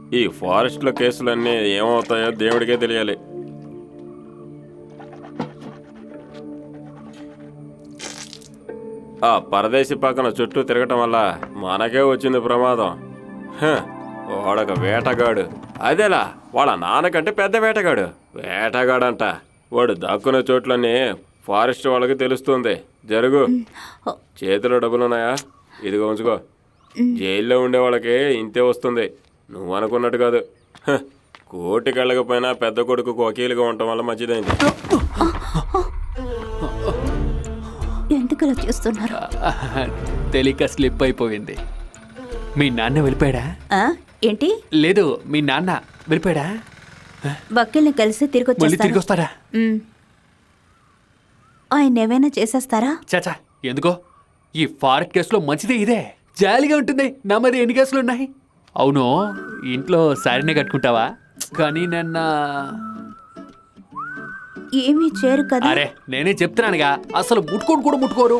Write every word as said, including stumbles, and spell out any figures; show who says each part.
Speaker 1: ఈ ఫారెస్ట్లో కేసులన్నీ ఏమవుతాయో దేవుడికే తెలియాలి. ఆ పరదేశీ పక్కన చుట్టూ తిరగటం వల్ల మనకే వచ్చింది ప్రమాదం. హ, వాడొక వేటగాడు. అదేలా వాళ్ళ నాన్నకంటే పెద్ద వేటగాడు. వేటగాడంట. వాడు దాక్కునే చోట్లన్నీ ఫారెస్ట్ వాళ్ళకి తెలుస్తుంది. జరుగు. చేతిలో డబ్బులున్నాయా? ఇదిగో ఉంచుకో. జైల్లో ఉండే వాళ్ళకి ఇంతే వస్తుంది. నువ్వు అనుకున్నట్టు కాదు. హ, కోటికి వెళ్ళకపోయినా పెద్ద కొడుకు వకీలుగా ఉండటం వల్ల మంచిదైంది.
Speaker 2: ఎందుకు అలా చేస్తున్నారు?
Speaker 3: తెలియక స్లిప్ అయిపోయింది. మీ నాన్న వెళ్ళిపోయాడా?
Speaker 2: ఆ, ఏంటి?
Speaker 3: లేదు, మీ నాన్న వెళ్ళిపోయాడా?
Speaker 2: వకీల్ని కలిసి తిరిగి
Speaker 3: మళ్ళీ తిరిగి
Speaker 2: వచ్చేస్తారు.
Speaker 3: వస్తారా?
Speaker 2: ఉమ్. ఆయన ఏమైనా చేసేస్తారా?
Speaker 3: చాచా, ఎందుకో ఈ ఫారెస్ట్ కేసులో మంచిదే ఇదే. జాలీగా ఉంటుంది. నా మరి ఎన్ని కేసులు ఉన్నాయి? అవును, ఇంట్లో శారీనే కట్టుకుంటావా? కానీ నిన్న
Speaker 2: ఏమీ చేయరు కదా.
Speaker 3: అరే నేనే చెప్తున్నానుగా, అసలు ముట్టుకోను కూడా ముట్టుకోరు.